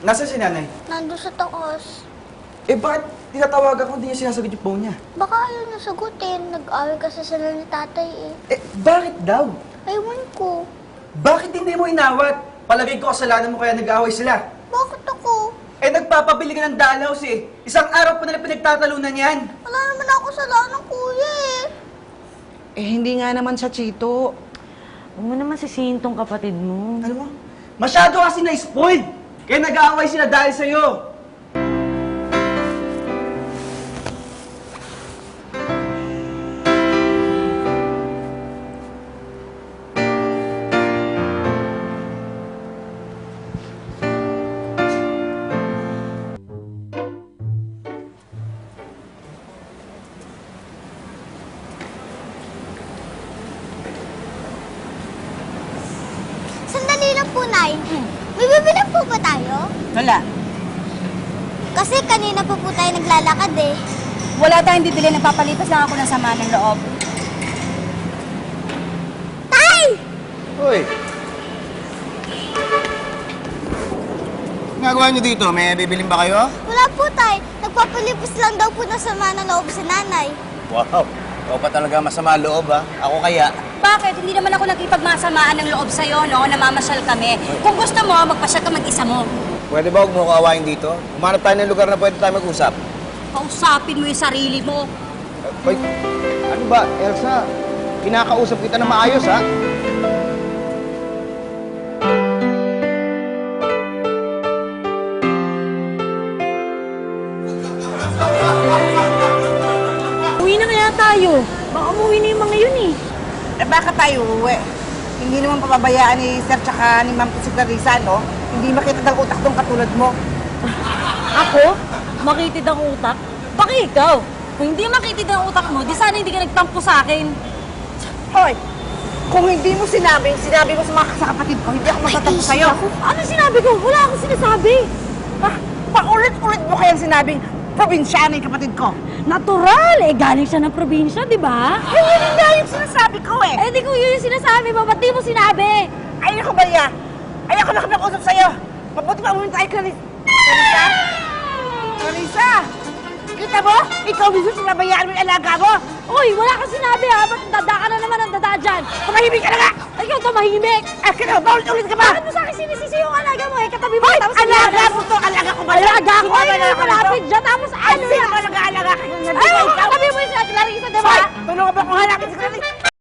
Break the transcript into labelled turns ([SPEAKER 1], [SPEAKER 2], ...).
[SPEAKER 1] Nasaan si nanay?
[SPEAKER 2] Nandun sa taas.
[SPEAKER 1] Eh, bakit tinatawagan ko hindi niya sinasagot yung phone niya?
[SPEAKER 2] Baka ayaw na sagutin. Nag-away kasi sila ni tatay eh.
[SPEAKER 1] Eh, bakit daw?
[SPEAKER 2] Ewan ko.
[SPEAKER 1] Bakit hindi mo inawat? Palagay ko kasalanan mo kaya nag-aaway sila.
[SPEAKER 2] Bakit ako?
[SPEAKER 1] Eh, nagpapabili ka ng dalaws eh. Isang araw pa nila pinagtatalunan yan.
[SPEAKER 2] Wala naman ako kasalanan, kuya eh.
[SPEAKER 3] Eh, hindi nga naman siya, Chito.
[SPEAKER 4] Huwag mo naman sisihin tong kapatid mo.
[SPEAKER 1] Ano mo? Masyado kasi na-spoiled. Kaya nag-aaway sila dahil sa'yo.
[SPEAKER 2] Sandali lang po, Nay. May bibilang po ba tayo?
[SPEAKER 3] Wala.
[SPEAKER 2] Kasi kanina pa po tayo naglalakad eh.
[SPEAKER 5] Wala tayong bibili, nagpapalipas lang ako ng sama ng loob.
[SPEAKER 2] Tay!
[SPEAKER 6] Uy! Ginagawa niyo dito? May bibilin ba kayo?
[SPEAKER 2] Wala po, Tay. Nagpapalipos lang daw po ng sama ng loob sa nanay.
[SPEAKER 6] Wow! Ikaw pa talaga masama loob, ha? Ako kaya.
[SPEAKER 5] Bakit? Hindi naman ako nakipagmasamaan ng loob sa'yo, no? Namamasyal kami. Kung gusto mo, magpasyal ka mag-isa mo.
[SPEAKER 6] Pwede ba huwag mo kawain dito? Umanap tayo ng lugar na pwede tayo mag-usap.
[SPEAKER 5] Kausapin mo yung sarili mo.
[SPEAKER 6] Uy, ano ba, Elsa? Kinakausap kita na maayos, ha?
[SPEAKER 4] Uwi na kaya tayo. Baka umuwi na yung mga yun eh.
[SPEAKER 3] Eh, baka tayo uwi. Hindi naman papabayaan ni Sir tsaka ni Ma'am si Clarissa, no? Hindi makita ng utak tong katulad mo.
[SPEAKER 4] Ako? Makitid ang utak? Baka ikaw? Kung hindi makitid ang utak mo, di sana hindi ka nagtampo sa akin.
[SPEAKER 3] Hoy! Kung hindi mo sinabi mo sa kapatid ko, hindi ako magtatampo sa'yo.
[SPEAKER 4] Ano sinabi ko? Wala akong sinasabi.
[SPEAKER 3] Paulit-ulit mo kayang sinabing probinsyano yung kapatid ko.
[SPEAKER 4] Natural! Eh, galing siya ng probinsya, di ba?
[SPEAKER 3] Eh, yun nga yung sinasabi ko eh.
[SPEAKER 4] Eh, di ko yun yung sinasabi mo. Ba't di mo sinabi?
[SPEAKER 3] Ayoko ba niya? Ayoko na kami usap sa'yo. Mabuti pa muna tayo, Clarissa. Clarissa? Clarissa! Kita mo? Ikaw mismo sinabayaan mo yung alaga mo.
[SPEAKER 4] Uy, wala kang sinabi ha. Ba't dada ka na naman ang dada dyan?
[SPEAKER 3] Tumahimik ka na nga!
[SPEAKER 4] Ikaw tumahimik!
[SPEAKER 3] Akin na, baulit-ulit ka ba?
[SPEAKER 4] Bakit mo sa akin sinisisi yung alaga mo eh? Katabi mo,
[SPEAKER 3] Hoy!
[SPEAKER 4] tapos
[SPEAKER 3] Alaga mo to! Alaga ko ba?
[SPEAKER 4] Alaga ko!
[SPEAKER 3] Sino
[SPEAKER 4] Ano
[SPEAKER 3] ba
[SPEAKER 4] yung malapit dyan? Tapos
[SPEAKER 3] Ay,
[SPEAKER 4] ano
[SPEAKER 3] sino
[SPEAKER 4] yan?
[SPEAKER 3] ba nag-aalaga kayo?
[SPEAKER 4] Ay, katabi mo yung si Clarissa, di ba?
[SPEAKER 3] Hoy! Tulungan ba kung hanapin si Clarissa?